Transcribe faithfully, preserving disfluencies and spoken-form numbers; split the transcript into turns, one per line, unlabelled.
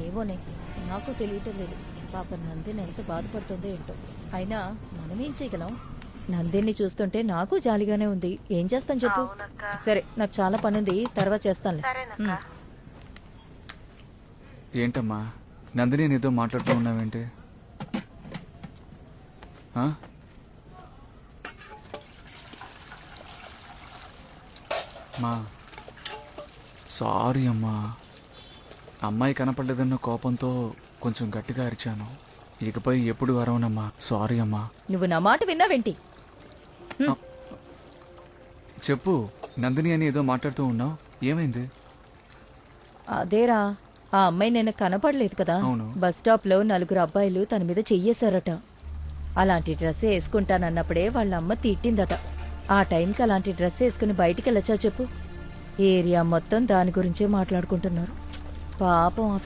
ఏమోనే, నాకు తెలియటం లేదు. పాప నందిని ఎంత బాధపడుతుందో ఏంటో. అయినా మనమేం చేయగలం? నందిని చూస్తుంటే నాకు జాలిగానే ఉంది. ఏం చేస్తాను చెప్పు. సరే, నాకు చాలా పనుంది, తర్వాత చేస్తానులే. ఉమ్.
ఏంటమ్మా నందిని నీతో మాట్లాడుతూ ఉన్నావేంటి? ఆ? మా సారీ అమ్మా, అమ్మాయి కనపడలేదన్న కోపంతో కొంచెం గట్టిగా అరిచాను. ఇకపై ఎప్పుడు అరవనమ్మా. సారీ అమ్మా.
నువ్వు నా మాట విన్నావేంటి?
చెప్పు, నందిని అని ఏదో మాట్లాడుతూ ఉన్నావు, ఏమైంది?
అదేరా, ఆ అమ్మాయి నిన్న కనపడలేదు కదా.
అవును.
బస్ స్టాప్ లో నలుగురు అబ్బాయిలు తన మీద చెయ్యేశారట. అలాంటి డ్రెస్ వేసుకుంటానన్నప్పుడే వాళ్ళ అమ్మ తిట్టిందట. ఆ టైంకి అలాంటి డ్రెస్ వేసుకుని బయటికి వెళ్ళొచ్చా చెప్పు? ఏరియా మొత్తం దాని గురించే మాట్లాడుకుంటున్నారు. పాపం.